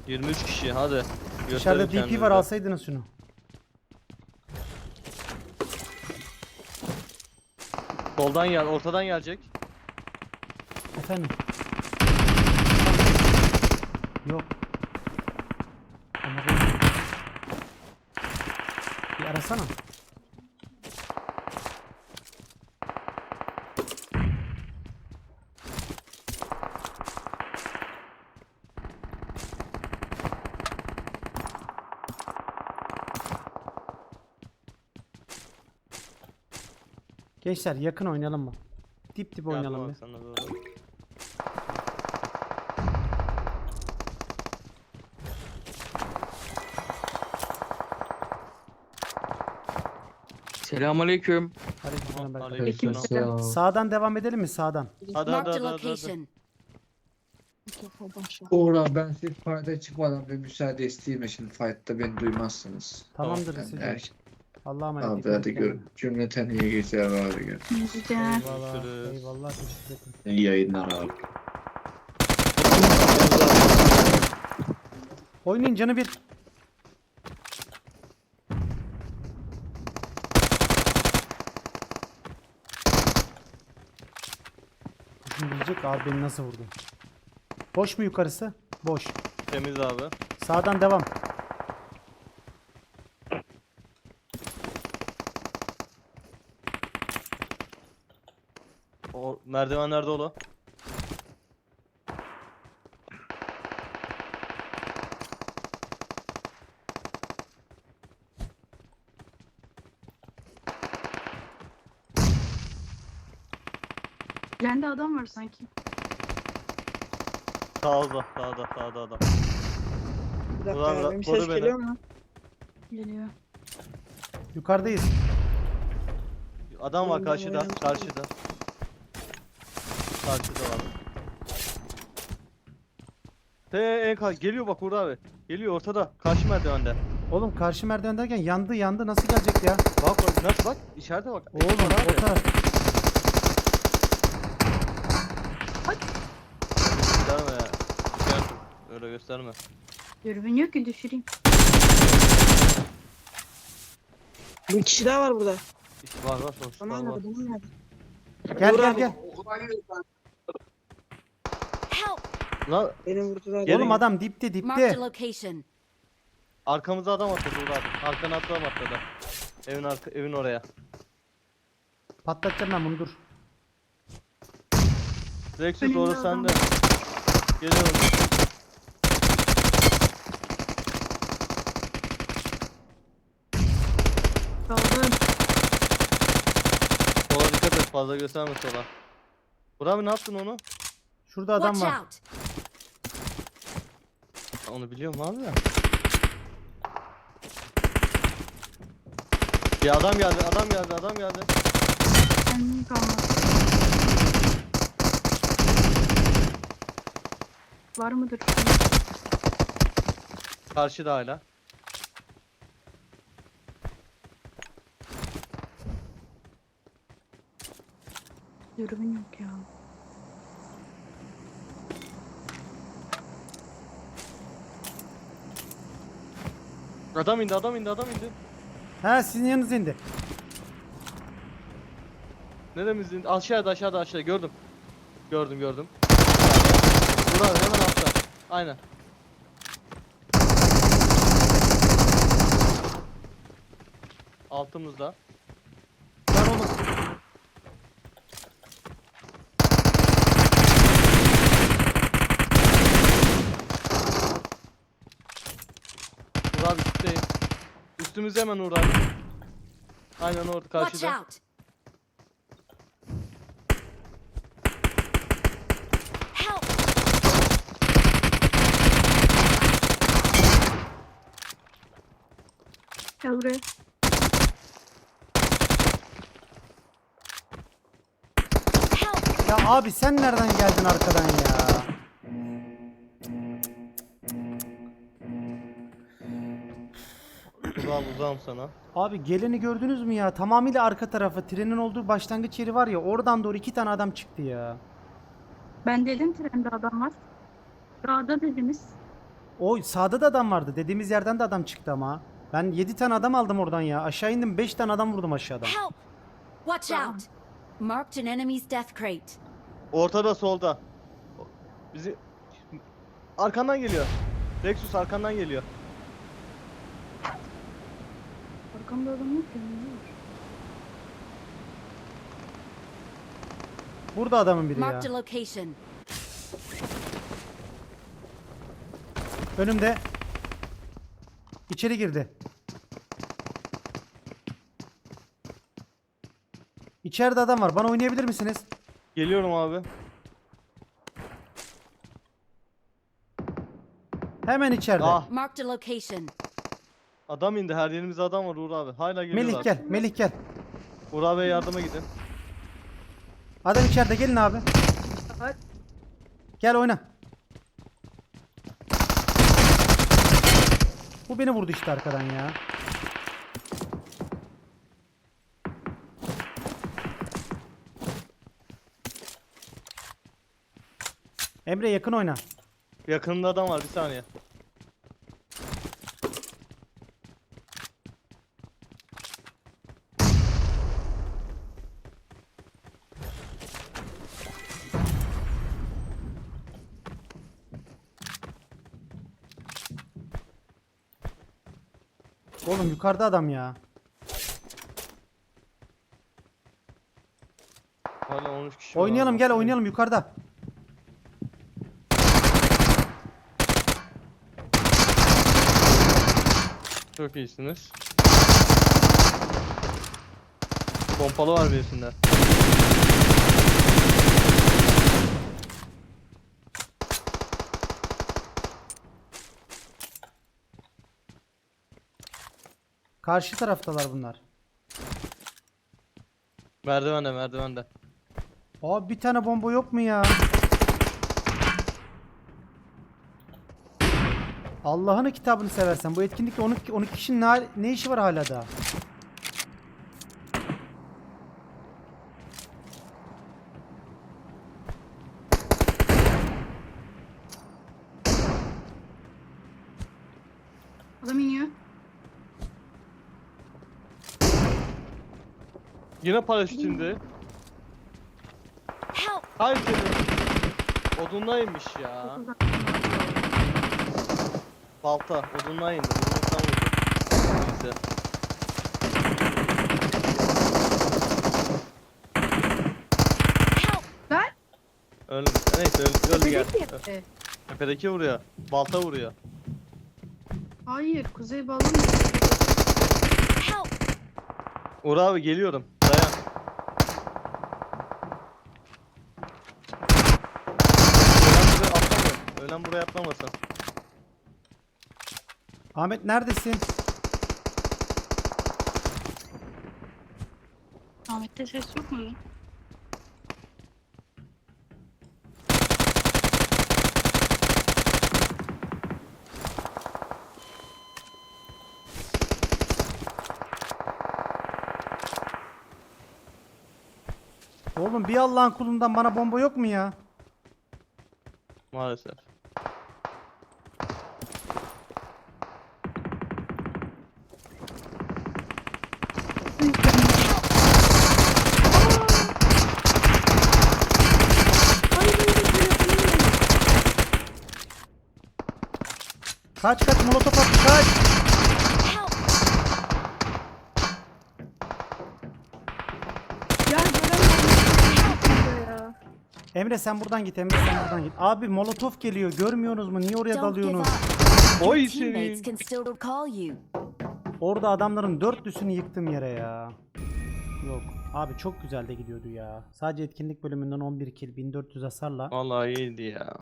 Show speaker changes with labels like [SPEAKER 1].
[SPEAKER 1] 23 kişi hadi.
[SPEAKER 2] Dışarıda
[SPEAKER 1] Gösterin
[SPEAKER 2] DP var,
[SPEAKER 1] kendinizi.
[SPEAKER 2] alsaydınız şunu.
[SPEAKER 1] Soldan gel, ortadan gelecek.
[SPEAKER 2] Efendim. Yok. Ama bir arasana. Gençler yakın oynayalım mı? Dip dip
[SPEAKER 1] Yardım
[SPEAKER 2] oynayalım
[SPEAKER 1] al
[SPEAKER 2] ya.
[SPEAKER 1] sana doğru.
[SPEAKER 3] Selamünaleyküm.
[SPEAKER 2] Aleykümselam Berkay.
[SPEAKER 1] Aleykümselam.
[SPEAKER 2] Sağdan devam edelim mi sağdan?
[SPEAKER 1] Hadi
[SPEAKER 4] Marked
[SPEAKER 1] hadi
[SPEAKER 4] a
[SPEAKER 1] hadi hadi.
[SPEAKER 4] location.
[SPEAKER 5] Uğur ben siz fight'a çıkmadan bir müsaade isteyeyim, şimdi fight'ta beni duymazsınız.
[SPEAKER 2] Tamamdır
[SPEAKER 5] Ben
[SPEAKER 2] Lise'cim.
[SPEAKER 5] de
[SPEAKER 2] Allah'a emanet.
[SPEAKER 5] abi
[SPEAKER 2] dikkat
[SPEAKER 5] hadi
[SPEAKER 2] et
[SPEAKER 5] gör.
[SPEAKER 2] kendine.
[SPEAKER 5] Cümleten iyi geceler abi.
[SPEAKER 2] Eyvallah.
[SPEAKER 1] Görüşürüz.
[SPEAKER 2] Eyvallah. Teşekkür ederim.
[SPEAKER 5] İyi yayınlar abi.
[SPEAKER 2] Oynayın canı bir. Şimdi diyecek abi beni nasıl vurdu? Boş mu yukarısı? Boş.
[SPEAKER 1] Temiz abi.
[SPEAKER 2] Sağdan devam.
[SPEAKER 1] O merdivenlerde ola.
[SPEAKER 6] Bende adam var sanki.
[SPEAKER 1] Sağda adam.
[SPEAKER 7] Bir dakika
[SPEAKER 1] Ulan
[SPEAKER 7] ya, benim
[SPEAKER 1] koru
[SPEAKER 7] ses
[SPEAKER 1] beni.
[SPEAKER 7] geliyor mu?
[SPEAKER 6] Geliyor.
[SPEAKER 2] Yukarıdayız.
[SPEAKER 1] Adam var
[SPEAKER 7] Oğlum,
[SPEAKER 1] karşıda,
[SPEAKER 7] oynayalım.
[SPEAKER 1] karşıda. Karşıda var. Geliyor bak Uğur abi. Geliyor ortada. Karşı merdivende.
[SPEAKER 2] Oğlum karşı merdiven derken yandı nasıl gelecek ya?
[SPEAKER 1] Bak nasıl bak içeride bak.
[SPEAKER 2] Oğlum
[SPEAKER 1] Var abi.
[SPEAKER 2] o taraf.
[SPEAKER 1] Gösterme ya. Gösterme. Öyle gösterme.
[SPEAKER 6] Dürbün yok ki düşüreyim.
[SPEAKER 7] Bir kişi daha var burada.
[SPEAKER 1] İşte var sonuçta
[SPEAKER 7] Tamam
[SPEAKER 1] var.
[SPEAKER 7] nerede? Bunun nerede?
[SPEAKER 2] Gel
[SPEAKER 7] Uğur
[SPEAKER 2] gel
[SPEAKER 7] abi,
[SPEAKER 2] gel.
[SPEAKER 4] Help!
[SPEAKER 1] Lan
[SPEAKER 7] Beni vurdular.
[SPEAKER 1] Gelin.
[SPEAKER 2] Oğlum adam dipte
[SPEAKER 4] Marked
[SPEAKER 2] dipte.
[SPEAKER 4] a location.
[SPEAKER 1] arkamıza adam atladı Uğur abi. Arkana adam atladı. Evin oraya.
[SPEAKER 2] Patlatacağım ben bunu dur.
[SPEAKER 1] Rexus
[SPEAKER 6] Önümde
[SPEAKER 1] orası
[SPEAKER 6] adam
[SPEAKER 1] sende. Geliyorum.
[SPEAKER 6] Kaldım.
[SPEAKER 1] Sola dikkat et fazla gösterme sola. Uğur abi ne yaptın onu?
[SPEAKER 2] Şurada adam
[SPEAKER 4] Watch
[SPEAKER 2] var.
[SPEAKER 4] out!
[SPEAKER 1] Onu biliyorum abi ya. Bir adam geldi.
[SPEAKER 6] Kendim kalmadı. Var mıdır?
[SPEAKER 1] Karşıda hala.
[SPEAKER 6] Dürbün yok ya.
[SPEAKER 1] Adam indi.
[SPEAKER 2] Ha sizin yanınıza indi.
[SPEAKER 1] Neremiz indi? Aşağıda gördüm. Gördüm. Uğur abi hemen altta. Aynen. Altımızda.
[SPEAKER 2] Lan oğlum.
[SPEAKER 1] Uğur abi üstteyim. Üstümüzde hemen Uğur abi. Aynen orada
[SPEAKER 4] Watch
[SPEAKER 1] karşıda.
[SPEAKER 4] out! Help!
[SPEAKER 6] Gel buraya.
[SPEAKER 4] Help!
[SPEAKER 2] Ya abi sen nereden geldin arkadan ya?
[SPEAKER 1] Uzağım sana.
[SPEAKER 2] Abi geleni gördünüz mü ya? Tamamıyla arka tarafı. Trenin olduğu başlangıç yeri var ya. Oradan doğru 2 tane adam çıktı ya.
[SPEAKER 6] Ben dedim trende adam var. Dağda dediniz.
[SPEAKER 2] O sağda da adam vardı. Dediğimiz yerden de adam çıktı ama. Ben 7 tane adam aldım oradan ya. Aşağı indim 5 tane adam vurdum aşağıdan.
[SPEAKER 4] Help! Watch out! Marked an enemy's death crate.
[SPEAKER 1] Ortada solda. Bizi arkandan geliyor. Lexus arkandan geliyor.
[SPEAKER 6] Arkamda adam yok ya. Ne var?
[SPEAKER 2] Burada adamın biri ya.
[SPEAKER 4] Marked a location.
[SPEAKER 2] Önümde. İçeri girdi. İçeride adam var. Bana oynayabilir misiniz?
[SPEAKER 1] Geliyorum abi.
[SPEAKER 2] Hemen içeride.
[SPEAKER 1] Ah,
[SPEAKER 4] Marked a location.
[SPEAKER 1] adam indi. Her yerimizde adam var Uğur abi. Hala geliyorlar.
[SPEAKER 2] Melih gel. Melih gel.
[SPEAKER 1] Uğur abiye yardıma gidin.
[SPEAKER 2] Adam içeride. Gelin abi.
[SPEAKER 6] Hadi.
[SPEAKER 2] Gel oyna. Bu beni vurdu işte arkadan ya. Emre yakın oyna.
[SPEAKER 1] Yakınında adam var, bir saniye.
[SPEAKER 2] Oğlum yukarıda adam ya.
[SPEAKER 1] Hala 13 kişi var
[SPEAKER 2] Oynayalım
[SPEAKER 1] abi.
[SPEAKER 2] gel oynayalım yukarıda.
[SPEAKER 1] Çok iyisiniz. Pompalı var birisinde.
[SPEAKER 2] Karşı taraftalar bunlar.
[SPEAKER 1] Merdivende, merdivende.
[SPEAKER 2] Abi bir tane bomba yok mu ya? Allah'ını kitabını seversen bu etkinlikte 12 kişinin ne işi var hala da?
[SPEAKER 6] Adam iniyor.
[SPEAKER 1] Yine paraşüt indi.
[SPEAKER 4] Help!
[SPEAKER 1] Hayır senin. Odundaymış ya. Balta, odundan indi. Odundan vurdu. Neyse.
[SPEAKER 4] Help!
[SPEAKER 6] Ben?
[SPEAKER 1] Öldü. Neyse öldü gel.
[SPEAKER 6] Tepedeki yerde.
[SPEAKER 1] Tepedeki vuruyor. Balta vuruyor.
[SPEAKER 6] Hayır. Kuzey balon.
[SPEAKER 4] Help!
[SPEAKER 1] Uğur abi geliyorum. Dayan. Ölen buraya atlamasın.
[SPEAKER 2] Ahmet neredesin?
[SPEAKER 6] Ahmet'te ses yok mu lan?
[SPEAKER 2] Oğlum bir Allah'ın kulundan bana bomba yok mu ya?
[SPEAKER 1] Maalesef.
[SPEAKER 2] Kaç kaç molotof attı kaç.
[SPEAKER 4] Help!
[SPEAKER 6] Ya göremedim. Ya.
[SPEAKER 2] Emre sen buradan git Emre sen buradan git. Abi molotof geliyor görmüyorsunuz mu? Niye oraya
[SPEAKER 4] Don't give
[SPEAKER 2] dalıyorsunuz?
[SPEAKER 4] up.
[SPEAKER 1] Oy
[SPEAKER 4] Your teammates
[SPEAKER 1] seni.
[SPEAKER 4] can still call you.
[SPEAKER 2] Orada adamların 4'lüsünü yıktım yere ya. Yok. Abi çok güzel de gidiyordu ya. Sadece etkinlik bölümünden 11 kill 1400 hasarla.
[SPEAKER 1] Vallahi iyiydi ya.